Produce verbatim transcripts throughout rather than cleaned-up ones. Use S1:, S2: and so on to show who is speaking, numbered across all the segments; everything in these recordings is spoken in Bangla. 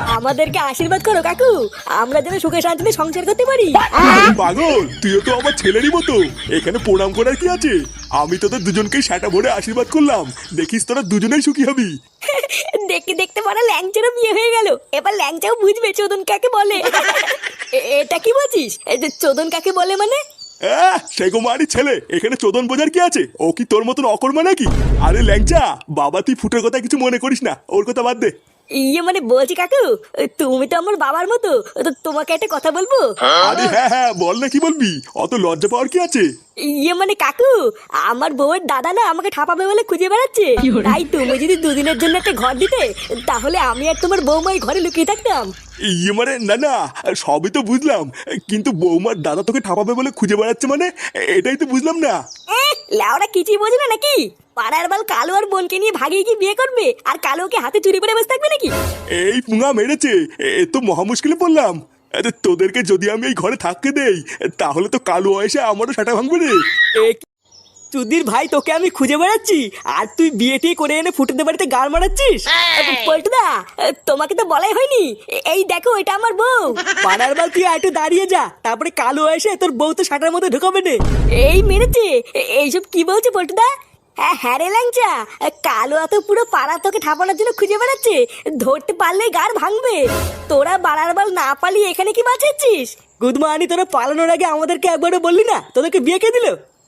S1: আমাদেরকে আশীর্বাদ করো কাকু, আমরা যেন সুখে শান্তিতে সংসার করতে পারি।
S2: পাগল, তুইও তো আমার ছেলেরই মতো, এখানে প্রণাম করার কি আছে? আমি তোদের দুজনকে সেটা ভরে আশীর্বাদ করলাম, দেখিস তোরা দুজনেই সুখী হবি।
S1: দেখতে দেখতে পরে ল্যাংচারও বিয়ে হয়ে গেল, এবার ল্যাংচাও বুঝবে চোদন কাকে বলে। এ- এটা কি বলছিস, এই যে চোদন কাকে বলে মানে?
S2: আহ, সেই কুমারী ছেলে, এখানে চোদন বোঝার কি আছে? ও কি তোর মতন অকর্মা নাকি? আরে ল্যাংচা, বাবা তুই ফুটের কথা কিছু মনে করিস না, ওর কথা বাদ দে।
S1: ইয়ে মানে বলছি কাকু, তুমি তো আমার বাবার মতো, তো তোমাকে একটা কথা বলবো?
S2: আরে হ্যাঁ হ্যাঁ, বল না, কি বলবি? অত লজ্জা পাওয়ার কি আছে?
S1: ইয়ে মানে কাকু, আমার বউয়ের দাদা না আমাকে ঠাপাবে বলে খুঁজে বেড়াচ্ছে, তাই তুমি যদি দুদিনের জন্য একটা ঘর দিতে, তাহলে আমি আর তোমার বৌমাই ঘরে লুকিয়ে থাকতাম।
S2: ইয়ে মানে না না, সবই তো বুঝলাম, কিন্তু বৌমার দাদা তোকে ঠাপাবে বলে খুঁজে বেড়াচ্ছে মানে, এটাই তো বুঝলাম না।
S1: এ, লেওরা কিছুই বোঝে না নাকি? পাড়ার বাল কালো আর বোনকে নিয়ে ভাগিয়ে কি বিয়ে করবে, আর কালোকে হাতে চুরি করে বসে থাকবে নাকি?
S2: এই পুঙা মেরেছে, এ তো মহা মুশকিলে পড়লাম। আরে তোদেরকে যদি আমি এই ঘরে থাকতে দেই, তাহলে তো কালো এসে আমারও সেটা ভাঙবে রে।
S1: চুদির ভাই, তোকে আমি খুঁজে বেড়াচ্ছি আর তুই বিয়ে টিয়ে করে এনে ফুটেতে বাড়িতে গাড় মারাচ্ছিস। পল্টুদা, তোমাকে তো বলাই হয়নি, এ- এই দেখো এটা আমার বউ। পাড়ার বাল তুই একটু দাঁড়িয়ে যা, তারপরে কালো এসে তোর বউ তো শাটার মধ্যে ঢুকাবে না। এই মেরেছে, এ- এইসব কি বলছে পল্টুদা? হ্যাঁ হ্যাঁ রে ল্যাংচা, কালো এত পুরো পাড়া তোকে ঠাপানোর জন্য খুঁজে বেড়াচ্ছে, ধরতে পারলে গাড় ভাঙবে। তোরা বাড়ার বাল না পালিয়ে এখানে কি বাঁচাচ্ছিস? গুদমানি, তোরা পালানোর আগে আমাদেরকে একবারও বললি না তোদেরকে বিয়ে কে দিল?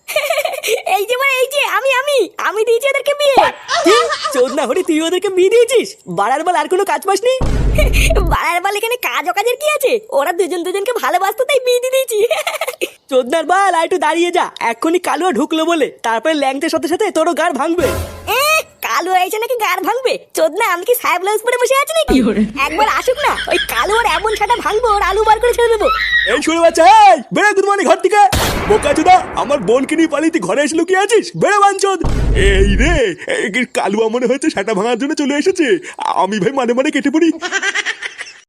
S1: এই যে মানে এই যে আমি আমি আমি দিয়েছি ওদেরকে বিয়ে। চোদনা হরি, তুই ওদেরকে বিয়ে দিয়েছিস? বাড়ার বাল আর কোনো কাজ পাসনি? বাড়ার বাল এখানে কাজ অকাজের কি আছে, ওরা দুজন দুজনকে ভালোবাসতো তাই বিয়ে দিয়ে দিয়েছি। চোদনার বাল, আর একটু দাঁড়িয়ে যা, এক্ষুনি কালো ঢুকলো বলে তারপরে ল্যাংটের সাথে সাথে তোরও গাড় ভাঙবে। এ কালো এসে নাকি গাড় ভাঙবে? চোদনা, আমি কি সাহেব ব্লাউজ পরে বসে আছি নাকি? একবার আসুক না, ওই কালো আর এমন ছাটা ভাঙবো, ওর আলু বার করে ছেড়ে দেবো।
S2: এই শুনে বাচ্চা, এই বেড়ে গুদমানি ঘর থেকে। বোকা চোদা, আমার বোনকে নিয়ে পালিয়ে তুই ঘরে এসে লুকিয়ে আছিস? বেড়ে বাঞ্চদ। এই রে, এই কালুয়া মনে হচ্ছে সেটা ভাঙার জন্য চলে এসেছে, আমি ভাই মানে মানে কেটে পড়ি।